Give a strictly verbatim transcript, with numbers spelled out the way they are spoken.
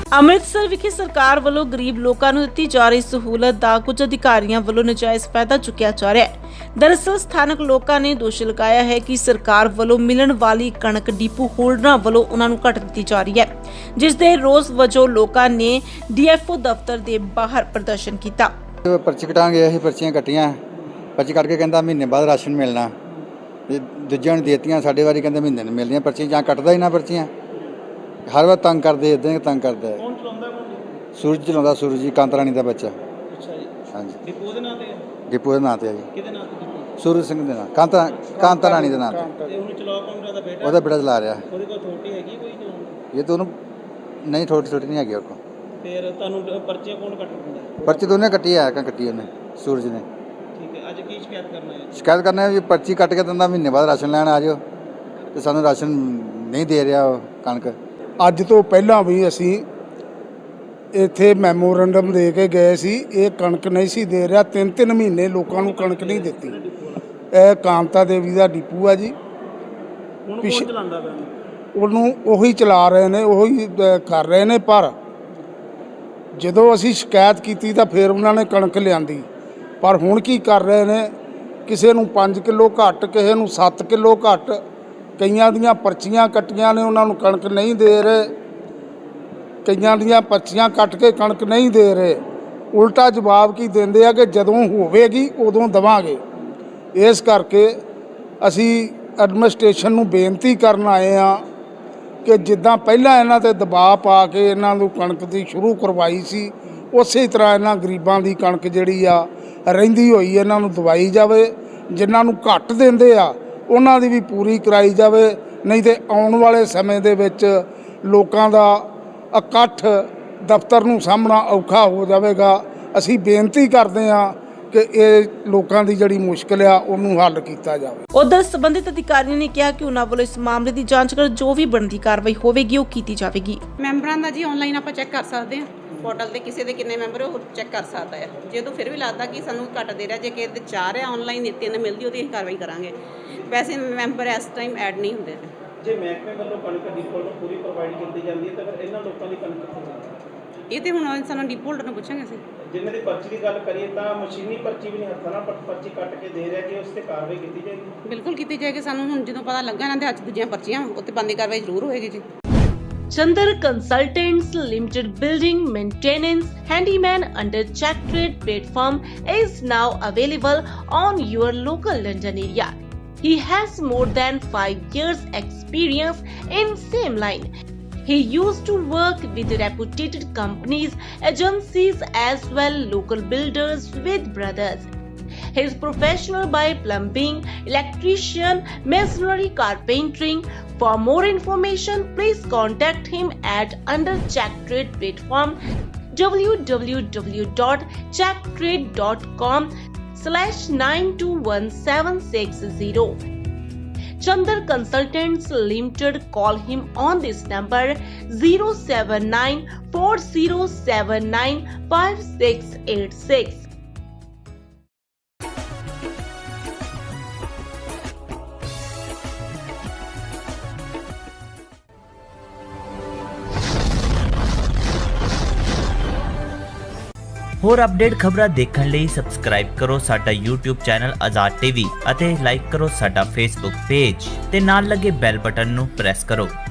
ਅੰਮ੍ਰਿਤਸਰ ਵਿਖੇ ਸਰਕਾਰ ਵੱਲੋਂ ਗਰੀਬ ਲੋਕਾਂ ਨੂੰ ਦਿੱਤੀ ਜਾ ਰਹੀ ਸਹੂਲਤ ਦਾ ਕੁਝ ਅਧਿਕਾਰੀਆਂ ਵੱਲੋਂ ਨਜਾਇਜ਼ ਫਾਇਦਾ ਚੁੱਕਿਆ ਜਾ ਰਿਹਾ ਹੈ। ਦਰਅਸਲ ਸਥਾਨਕ ਲੋਕਾਂ ਨੇ ਦੋਸ਼ ਲਗਾਇਆ ਹੈ ਕਿ ਸਰਕਾਰ ਵੱਲੋਂ ਮਿਲਣ ਵਾਲੀ ਕਣਕ ਡਿਪੂ ਹੋਲਡਰਾਂ ਵੱਲੋਂ ਉਹਨਾਂ ਨੂੰ ਘੱਟ ਦਿੱਤੀ ਜਾ ਰਹੀ ਹੈ, ਜਿਸ ਦੇ ਰੋਸ ਵਜੋਂ ਲੋਕਾਂ ਨੇ ਡੀਐਫਓ ਦਫ਼ਤਰ ਦੇ ਬਾਹਰ ਪ੍ਰਦਰਸ਼ਨ ਕੀਤਾ। पर्ची कटान गए ਅਸੀਂ पर्चियां ਕੱਟੀਆਂ पर्ची ਕੱਟ ਕੇ ਕਹਿੰਦਾ ਮਹੀਨੇ ਬਾਅਦ ਰਾਸ਼ਨ ਮਿਲਣਾ ਤੇ ਦੂਜਿਆਂ ਨੂੰ ਦੇਤੀਆਂ ਸਾਡੇ ਵਾਰੀ ਕਹਿੰਦੇ ਮਹੀਨੇ ਨੂੰ ਮਿਲਦੀਆਂ पर्चियां ਜਾਂ ਕੱਟਦਾ ਹੀ ਨਾ पर्चियां हर बार तंग करते इदां ही तंग करता है। कौन चलाਉਂਦਾ ਕੌਣ सूरज चलाਉਂਦਾ सूरज जी कांता रानी ਦਾ ਬੱਚਾ। ਅੱਛਾ ਜੀ हाँ जी ਡਿਪੂ ਦੇ ਨਾਂ ਤੇ डिपू ਦੇ ਨਾਂ ਤੇ ਆ ਜੀ ਕਿਹਦੇ ਨਾਂ ਤੇ ਡਿਪੂ सूरज ਸਿੰਘ ਦੇ ਨਾਂ ਕਾਂਤਾ ਕਾਂਤਾ ਰਾਣੀ ਦੇ ਨਾਂ ਤੇ ਤੇ ਉਹਨੂੰ ਚਲਾ ਕੌਣ ਰਿਹਾ ਦਾ ਬੇਟਾ ਉਹਦਾ ਬੇਟਾ ਚਲਾ ਰਿਹਾ। ਉਹਦੇ ਕੋਲ ਅਥਾਰਟੀ ਹੈਗੀ ਕੋਈ ਚਲਾਉਣ ਇਹ ਤਾਂ ਉਹਨੂੰ ਨਹੀਂ ਥੋੜੀ ਥੋੜੀ ਨਹੀਂ ਹੈਗੀ ਉਹ ਕੋਲ। ਫਿਰ ਤੁਹਾਨੂੰ ਪਰਚੀਆਂ ਕੌਣ ਕੱਟ ਦਿੰਦਾ? पर्ची तो उन्हें कटी है क्या कटी उन्हें सूरज ने। ਠੀਕ ਹੈ ਅੱਜ ਕੀ ਸ਼ਿਕਾਇਤ ਕਰਨਾ ਹੈ? शिकायत करना है जी पर्ची कट के दिंदा महीने बाद राशन लैन आ जाओ तो सानू राशन नहीं दे रहा कणक। ਅੱਜ ਤੋਂ ਪਹਿਲਾਂ ਵੀ ਅਸੀਂ ਇੱਥੇ ਮੈਮੋਰੰਡਮ ਦੇ ਕੇ ਗਏ ਸੀ, ਇਹ ਕਣਕ ਨਹੀਂ ਸੀ ਦੇ ਰਿਹਾ। ਤਿੰਨ ਤਿੰਨ ਮਹੀਨੇ ਲੋਕਾਂ ਨੂੰ ਕਣਕ ਨਹੀਂ ਦਿੱਤੀ। ਇਹ ਕਾਂਤਾ ਦੇਵੀ ਦਾ ਡਿਪੂ ਆ ਜੀ। ਹੁਣ ਪਿੱਛੇ- ਕੌਣ ਚਲਾਉਂਦਾ ਪਿਆ? ਉਹਨੂੰ ਉਹੀ ਚਲਾ ਰਹੇ ਨੇ, ਉਹੀ ਅ, ਕਰ ਰਹੇ ਨੇ। ਪਰ ਜਦੋਂ ਅਸੀਂ ਸ਼ਿਕਾਇਤ ਕੀਤੀ ਤਾਂ ਫਿਰ ਉਹਨਾਂ ਨੇ ਕਣਕ ਲਿਆਂਦੀ। ਪਰ ਹੁਣ ਕੀ ਕਰ ਰਹੇ ਨੇ, ਕਿਸੇ ਨੂੰ ਪੰਜ ਕਿਲੋ ਘੱਟ, ਕਿਸੇ ਨੂੰ ਸੱਤ ਕਿਲੋ ਘੱਟ, ਕਈਆਂ ਦੀਆਂ ਪਰਚੀਆਂ ਕੱਟੀਆਂ ਨੇ ਉਹਨਾਂ ਨੂੰ ਕਣਕ ਨਹੀਂ ਦੇ ਰਹੇ, ਕਈਆਂ ਦੀਆਂ ਪਰਚੀਆਂ ਕੱਟ ਕੇ ਕਣਕ ਨਹੀਂ ਦੇ ਰਹੇ। ਉਲਟਾ ਜਵਾਬ ਕੀ ਦਿੰਦੇ ਆ ਕਿ ਜਦੋਂ ਹੋਵੇਗੀ ਉਦੋਂ ਦੇਵਾਂਗੇ। ਇਸ ਕਰਕੇ ਅਸੀਂ ਐਡਮਿਨਿਸਟ੍ਰੇਸ਼ਨ ਨੂੰ ਬੇਨਤੀ ਕਰਨ ਆਏ ਆ ਕਿ ਜਿੱਦਾਂ ਪਹਿਲਾਂ ਇਹਨਾਂ ਤੇ ਦਬਾਅ ਪਾ ਕੇ ਇਹਨਾਂ ਨੂੰ ਕਣਕ ਦੀ ਸ਼ੁਰੂ ਕਰਵਾਈ ਸੀ, ਉਸੇ ਤਰ੍ਹਾਂ ਇਹਨਾਂ ਗਰੀਬਾਂ ਦੀ ਕਣਕ ਜਿਹੜੀ ਆ ਰਹਿੰਦੀ ਹੋਈ ਇਹਨਾਂ ਨੂੰ ਦਵਾਈ ਜਾਵੇ। ਜਿਨ੍ਹਾਂ ਨੂੰ ਘੱਟ ਦਿੰਦੇ ਆ ਉਹਨਾਂ ਦੀ ਵੀ ਪੂਰੀ ਕਰਾਈ ਜਾਵੇ, ਨਹੀਂ ਤੇ ਆਉਣ ਵਾਲੇ ਸਮੇਂ ਦੇ ਵਿੱਚ ਲੋਕਾਂ ਦਾ ਇਕੱਠ ਦਫ਼ਤਰ ਨੂੰ ਸਾਹਮਣਾ ਔਖਾ ਹੋ ਜਾਵੇਗਾ। ਅਸੀਂ ਬੇਨਤੀ ਕਰਦੇ ਹਾਂ ਕਿ ਇਹ ਲੋਕਾਂ ਦੀ ਜਿਹੜੀ ਮੁਸ਼ਕਿਲ ਆ ਉਹਨੂੰ ਹੱਲ ਕੀਤਾ ਜਾਵੇ। ਉਧਰ ਸੰਬੰਧਿਤ ਅਧਿਕਾਰੀਆਂ ਨੇ ਕਿਹਾ ਕਿ ਉਹਨਾਂ ਵੱਲੋਂ ਇਸ ਮਾਮਲੇ ਦੀ ਜਾਂਚ ਕਰ ਜੋ ਵੀ ਬਣਦੀ ਕਾਰਵਾਈ ਹੋਵੇਗੀ ਉਹ ਕੀਤੀ ਜਾਵੇਗੀ। ਮੈਂਬਰਾਂ ਦਾ ਜੀ ਆਨਲਾਈਨ ਆਪਾਂ ਚੈੱਕ ਕਰ ਸਕਦੇ ਹਾਂ, ਪੋਰਟਲ ਤੇ ਕਿਸੇ ਦੇ ਕਿੰਨੇ ਮੈਂਬਰ ਉਹ ਚੈੱਕ ਕਰ ਸਕਦਾ ਹੈ। ਜੇ ਤੋਂ ਫਿਰ ਵੀ ਲੱਗਦਾ ਕਿ ਸਾਨੂੰ ਘੱਟ ਦੇ ਰਿਹਾ, ਜੇ ਕਿਸੇ ਦੇ ਚਾਰ ਹੈ ਆਨਲਾਈਨ ਤਿੰਨ ਮਿਲਦੀ, ਉਹਦੀ ਅਸੀਂ ਕਾਰਵਾਈ ਕਰਾਂਗੇ। ਵੈਸੇ ਮੈਂਬਰ ਇਸ ਟਾਈਮ ਐਡ ਨਹੀਂ ਹੁੰਦੇ। ਜੇ ਮਹਿਕਮੇ ਵੱਲੋਂ ਕਣਕ ਡਿਪੂ ਨੂੰ ਪੂਰੀ ਪ੍ਰੋਵਾਈਡ ਕੀਤੀ ਜਾਂਦੀ ਹੈ ਤਾਂ ਫਿਰ ਇਹਨਾਂ ਲੋਕਾਂ ਦੀ ਕਣਕ ਕਿੱਥੋਂ ਜਾਂਦੀ? ਇਹ ਤੇ ਹੁਣ ਸਾਨੂੰ ਡਿਪੂ ਹੋਲਡਰ ਨੂੰ ਪੁੱਛਾਂਗੇ ਅਸੀਂ। ਜਿਨ੍ਹਾਂ ਦੀ ਪਰਚੀ ਦੀ ਗੱਲ ਕਰੀਏ ਤਾਂ ਮਸ਼ੀਨੀ ਪਰਚੀ ਵੀ ਨਹੀਂ, ਹੱਥਾਂ ਨਾਲ ਪਰ- ਪਰਚੀ ਕੱਟ ਕੇ ਦੇ ਰਿਹਾ, ਕਿ ਉਸ ਤੇ ਕਾਰਵਾਈ ਕੀਤੀ ਜਾਏਗੀ? ਬਿਲਕੁਲ ਕੀਤੀ ਜਾਏਗੀ। ਸਾਨੂੰ ਹੁਣ ਜਦੋਂ ਪਤਾ ਲੱਗਾ ਇਹਨਾਂ ਦੇ ਹੱਥ ਦੂਜੀਆਂ ਪਰਚੀਆਂ, ਉੱਤੇ ਬੰਦੀ ਕਾਰਵਾਈ ਜ਼ਰੂਰ ਹੋਏਗੀ ਜੀ। Chandar Consultants Limited building maintenance handyman under Check Trade platform is now available on your local London area. He has more than five years experience in same line. He used to work with reputed companies, agencies as well local builders with brothers. He is professional by plumbing, electrician, masonry, carpentering. For more information, please contact him at under Check Trade platform w w w dot check trade dot com slash nine two one seven six zero. Chandar Consultants Limited. Call him on this number zero seven nine four zero seven nine five six eight six. ਹੋਰ update ਖਬਰਾਂ ਦੇਖਣ ਲਈ subscribe ਕਰੋ ਸਾਡਾ YouTube channel Azad TV ਅਤੇ like ਕਰੋ ਸਾਡਾ Facebook page ਤੇ ਨਾਲ ਲੱਗੇ ਬੈਲ ਬਟਨ ਨੂੰ ਪ੍ਰੈਸ ਕਰੋ।